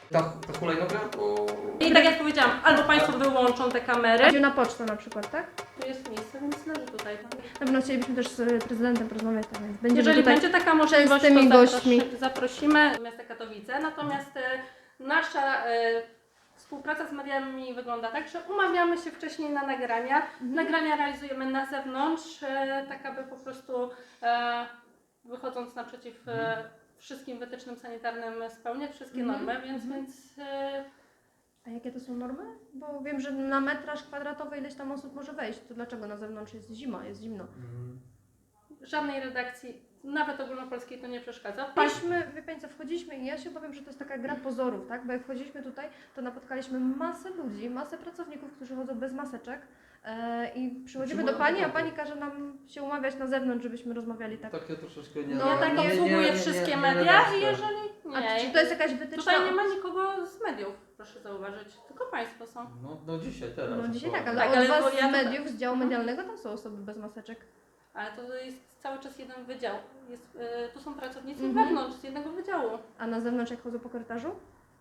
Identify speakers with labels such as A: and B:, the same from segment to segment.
A: Ta hulajnoga, bo...
B: I tak jak powiedziałam, albo Państwo wyłączą te kamery.
C: Idzie na pocztę na przykład, tak?
B: Tu jest miejsce, więc leży tutaj.
C: Na pewno chcielibyśmy też z prezydentem porozmawiać, tak więc będziemy
B: Jeżeli
C: tutaj
B: będzie taka możliwość,
C: częstymi
B: to
C: gośćmi.
B: zaprosimy do miasta Katowice. Natomiast nasza współpraca z mediami wygląda tak, że umawiamy się wcześniej na nagrania. Nagrania realizujemy na zewnątrz, tak aby po prostu wychodząc naprzeciw wszystkim wytycznym sanitarnym spełniać wszystkie normy, więc
C: A jakie to są normy? Bo wiem, że na metraż kwadratowy ileś tam osób może wejść. To dlaczego na zewnątrz jest zima, jest zimno?
B: żadnej redakcji, nawet ogólnopolskiej, to nie przeszkadza.
C: Wie Pani co, wchodziliśmy i ja się obawiam, że to jest taka gra pozorów, tak? Bo jak wchodziliśmy tutaj, to napotkaliśmy masę ludzi, masę pracowników, którzy chodzą bez maseczek i przychodzimy do Pani, a Pani każe nam się umawiać na zewnątrz, żebyśmy rozmawiali tak.
A: Takie troszeczkę nie...
C: No,
B: Ja tak obsługuję wszystkie media i jeżeli
C: A
B: nie,
C: czy to jest jakaś wytyczna?
B: tutaj nie ma nikogo z mediów, proszę zauważyć, tylko Państwo są.
A: No dzisiaj, teraz.
C: No dzisiaj tak, ale
B: Tak,
C: od
B: ale
C: Was
B: bo ja
C: z
B: to-
C: mediów, z działu medialnego, tam są osoby bez maseczek.
B: Ale to jest cały czas jeden wydział. Tu są pracownicy
C: Mhm.
B: wewnątrz z jednego wydziału.
C: A na zewnątrz jak chodzą po korytarzu?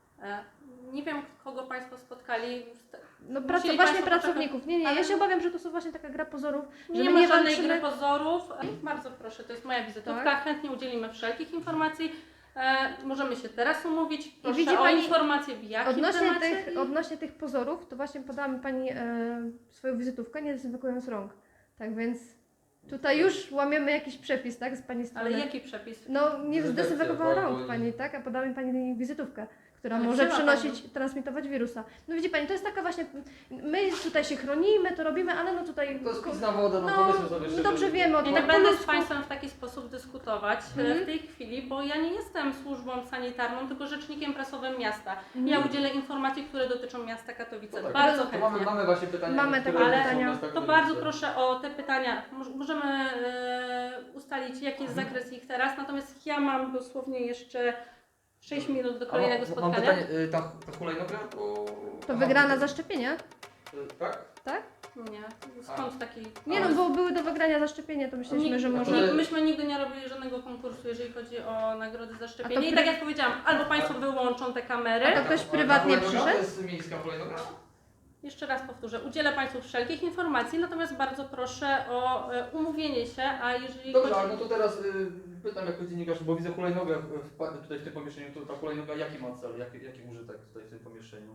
B: Nie wiem, kogo Państwo spotkali.
C: No
B: Musieli
C: właśnie
B: państwo
C: pracowników. Nie, ja
B: ale-
C: się obawiam, że to są właśnie taka gra pozorów, że
B: Nie
C: my
B: ma żadnej
C: walczymy-
B: gry pozorów. Bardzo proszę, to jest moja wizytówka.
C: Tak.
B: Chętnie udzielimy wszelkich informacji. Możemy się teraz umówić. Proszę
C: widzi
B: o
C: pani-
B: informacje w jakim temacie.
C: Odnośnie tych pozorów, to właśnie podała mi Pani swoją wizytówkę, nie dezynfekując rąk. Tak więc tutaj już łamiemy jakiś przepis, tak, z Pani strony.
B: Ale jaki przepis?
C: No nie
A: Dezynfekcja,
C: zdezynfekowała
A: tak,
C: rąk
A: bo-
C: Pani, tak, a podała mi Pani wizytówkę, która
B: Ale
C: może
B: wzięła
C: przynosić, transmitować wirusa. No widzi Pani, to jest taka właśnie, my tutaj się chronimy, to robimy, ale no tutaj...
A: To jest pitna woda, no
C: No,
A: powiedzmy sobie szczerze.
C: dobrze wiemy o
B: I
C: tym.
B: tak
C: po
B: będę z
C: ludzku.
B: Państwem w taki sposób dyskutować w tej chwili, bo ja nie jestem służbą sanitarną, tylko rzecznikiem prasowym miasta. Ja udzielę informacji, które dotyczą miasta Katowice.
A: No tak,
B: Bardzo
A: to
B: chętnie.
A: mamy właśnie pytania.
C: Mamy
A: które
C: takie
A: są
C: pytania.
A: miasta
B: To
A: Katowice.
B: bardzo proszę o te pytania. Możemy ustalić, jaki jest zakres ich teraz, natomiast ja mam dosłownie jeszcze 6 minut do kolejnego
A: Mam
B: spotkania.
A: pytanie, ta hulajnoga, bo...
C: To wygrana zaszczepienia,
A: Tak?
C: tak?
B: Nie, skąd taki...
C: Nie no, bo były do wygrania zaszczepienia, to myśleliśmy, że może...
B: Myśmy nigdy nie robili żadnego konkursu, jeżeli chodzi o nagrody za
C: A
B: szczepienie.
C: to
B: I tak jak powiedziałam, albo Państwo wyłączą te kamery.
C: A to ktoś prywatnie
A: Ta hulajnoga
C: przyszedł?
A: To jest miejska hulajnoga?
B: Jeszcze raz powtórzę, udzielę Państwu wszelkich informacji, natomiast bardzo proszę o umówienie się, a jeżeli
A: Dobrze,
B: chodzi...
A: ale no to teraz pytam jako dziennikarz, bo widzę hulajnogę tutaj w tym pomieszczeniu, to ta hulajnoga jaki ma cel, jaki użytek tutaj w tym pomieszczeniu?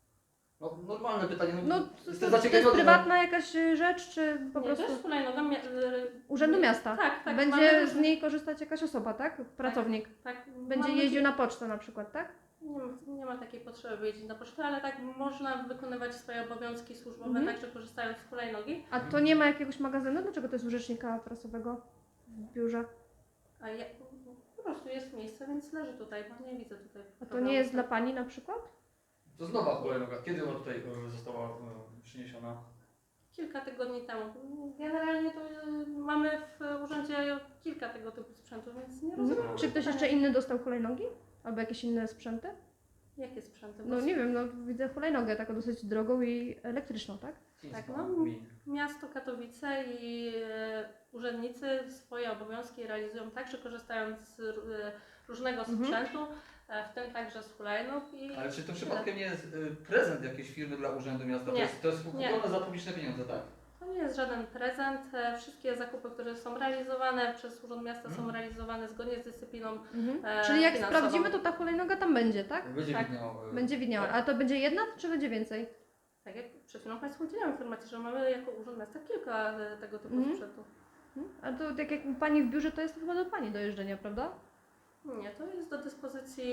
A: No normalne pytanie,
C: No
A: jestem
C: to jest
A: zaciekawiony,
C: prywatna jakaś rzecz, czy po
B: Nie,
C: prostu
B: to jest hulajnoga
C: Urzędu Miasta?
B: Tak, tak.
C: Będzie
B: mamy
C: z niej korzystać jakaś osoba, tak? Pracownik.
B: tak,
C: Będzie
B: mamy-
C: jeździł na pocztę na przykład, tak?
B: Nie ma takiej potrzeby wyjeździć na pocztę, ale tak można wykonywać swoje obowiązki służbowe,
C: Mhm.
B: także korzystając z hulajnogi.
C: A to nie ma jakiegoś magazynu? Dlaczego to jest u rzecznika prasowego w biurze?
B: A ja, po prostu jest miejsce, więc leży tutaj, bo nie widzę tutaj.
C: A to nie jest dla Pani na przykład?
A: To jest nowa hulajnoga, kiedy ona tutaj została przyniesiona?
B: Kilka tygodni temu. Generalnie to mamy w urzędzie kilka tego typu sprzętu, więc nie rozumiem.
A: Mhm.
C: Czy ktoś jeszcze inny dostał hulajnogi? Albo jakieś inne sprzęty?
B: Jakie sprzęty?
C: No nie wiem, no widzę hulajnogę taką dosyć drogą i elektryczną, tak?
B: Tak, no. Miasto Katowice i urzędnicy swoje obowiązki realizują tak, że korzystają z różnego sprzętu, w tym także z hulajnóg.
A: Ale czy to przypadkiem nie jest prezent jakiejś firmy dla Urzędu Miasta?
B: Nie.
A: To jest
B: Nie.
A: kupione za publiczne pieniądze, tak?
B: To nie jest żaden prezent. Wszystkie zakupy, które są realizowane przez Urząd Miasta są realizowane zgodnie z dyscypliną.
C: Czyli jak
B: finansową.
C: sprawdzimy, to ta hulajnoga tam będzie, tak?
A: Będzie
B: Tak.
A: widniał.
C: Będzie widniała. A to będzie jedna, czy będzie więcej?
B: Tak jak przed chwilą Państwu udzieliłam informacji, że mamy jako Urząd Miasta kilka tego typu sprzętu.
C: A to tak jak u Pani w biurze, to jest chyba do Pani do jeżdżenia, prawda?
B: Nie, to jest do dyspozycji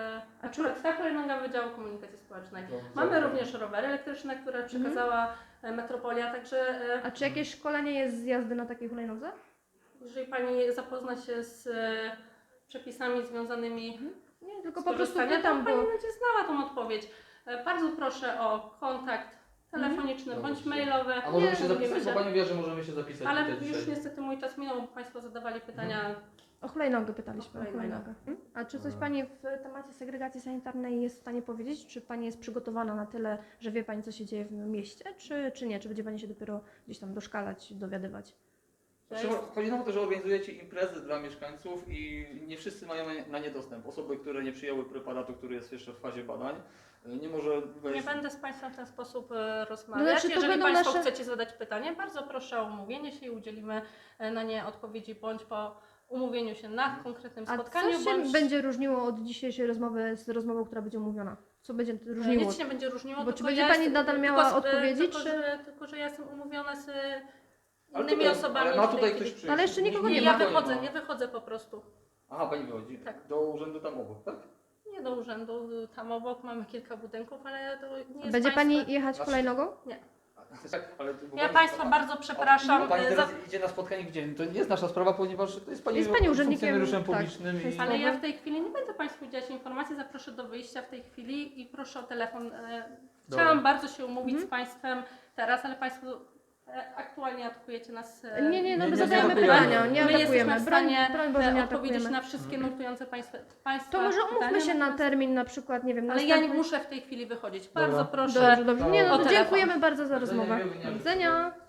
C: A
B: akurat ta hulajnoga Wydziału Komunikacji Społecznej.
A: Dobrze.
B: Mamy również rowery elektryczne, które przekazała Metropolia, także
C: A czy jakieś szkolenie jest z jazdy na takiej hulajnodze?
B: jeżeli Pani zapozna się z przepisami związanymi
C: Nie, tylko
B: z
C: po prostu
B: korzystania, to
C: pytam,
B: Pani
C: bo...
B: będzie znała tą odpowiedź. Bardzo proszę o kontakt telefoniczny bądź
A: Dobrze.
B: mailowy.
A: A możemy
B: Nie,
A: się zapisać,
B: umówimy
A: bo Pani wie, że możemy się zapisać
B: Ale
A: tutaj
B: już
A: dzisiaj.
B: niestety mój czas minął, bo Państwo zadawali pytania.
C: O hulajnogę pytaliśmy,
B: O
C: o
B: hulajnogę.
C: hulajnogę. A czy coś Pani w temacie segregacji sanitarnej jest w stanie powiedzieć? Czy Pani jest przygotowana na tyle, że wie Pani, co się dzieje w mieście, czy nie? Czy będzie Pani się dopiero gdzieś tam doszkalać, dowiadywać?
A: Znaczy, chodzi nam o to, że organizujecie imprezy dla mieszkańców i nie wszyscy mają na nie dostęp. Osoby, które nie przyjęły preparatu, który jest jeszcze w fazie badań, nie może wejść.
B: Nie będę z Państwem w ten sposób rozmawiać.
C: znaczy, to
B: Jeżeli
C: będą
B: Państwo
C: nasze-
B: chcecie zadać pytanie, bardzo proszę o umówienie się i udzielimy na nie odpowiedzi bądź po umówieniu się na konkretnym
C: A
B: spotkaniu,
C: co się
B: bądź
C: będzie różniło od dzisiejszej rozmowy z rozmową, która będzie umówiona? Co będzie różniło?
B: nic się nie będzie różniło.
C: Bo czy
B: tylko
C: będzie
B: ja
C: Pani
B: jestem-
C: nadal miała
B: tylko,
C: odpowiedzi,
B: tylko,
C: czy-
B: tylko, że ja jestem umówiona z
A: Ale
B: innymi
A: tutaj-
B: osobami.
A: Ale ma
B: w tej
A: tutaj
B: chwili.
A: ktoś przyjść.
C: Ale jeszcze nikogo nie
B: Ja
C: ma.
B: wychodzę, ja wychodzę po prostu.
A: Aha, pani wychodzi.
B: Tak.
A: Do urzędu tam obok, tak?
B: Nie do urzędu, tam obok mamy kilka budynków, ale to nie jest
C: Będzie
B: państwa...
C: Pani jechać
A: Znaczy-
C: hulajnogą?
A: Tak, ale bo
B: Ja
A: pani-
B: Państwa bardzo przepraszam.
A: A pani
B: za-
A: teraz idzie na spotkanie gdzie? To nie jest nasza sprawa, ponieważ to jest pani,
C: Jest pani urzędnikiem,
A: funkcjonariuszem
C: tak.
A: publicznym i...
B: Ale ja w tej chwili nie będę Państwu udzielać informacji, zaproszę do wyjścia w tej chwili i proszę o telefon. Chciałam bardzo się umówić z Państwem teraz, ale Państwo aktualnie atakujecie nas.
C: Nie, no
A: Nie,
C: my
A: nie
C: zadajemy
A: atakujemy.
C: pytania, nie
B: My jesteśmy
C: atakujemy.
B: w stanie
C: Broń Boże, nie
B: odpowiedzieć
C: atakujemy.
B: na wszystkie nurtujące Państwa
C: To może umówmy
B: pytania,
C: się na
B: natomiast-
C: termin na przykład, nie wiem,
B: Ale ja nie
C: następny-
B: muszę w tej chili wychodzić.
A: Dobra.
B: Bardzo proszę.
C: Dobrze. Nie,
B: O
C: no to
B: telefon.
C: dziękujemy bardzo za
A: Do widzenia,
C: rozmowę.
A: miłego dnia.
C: Do widzenia.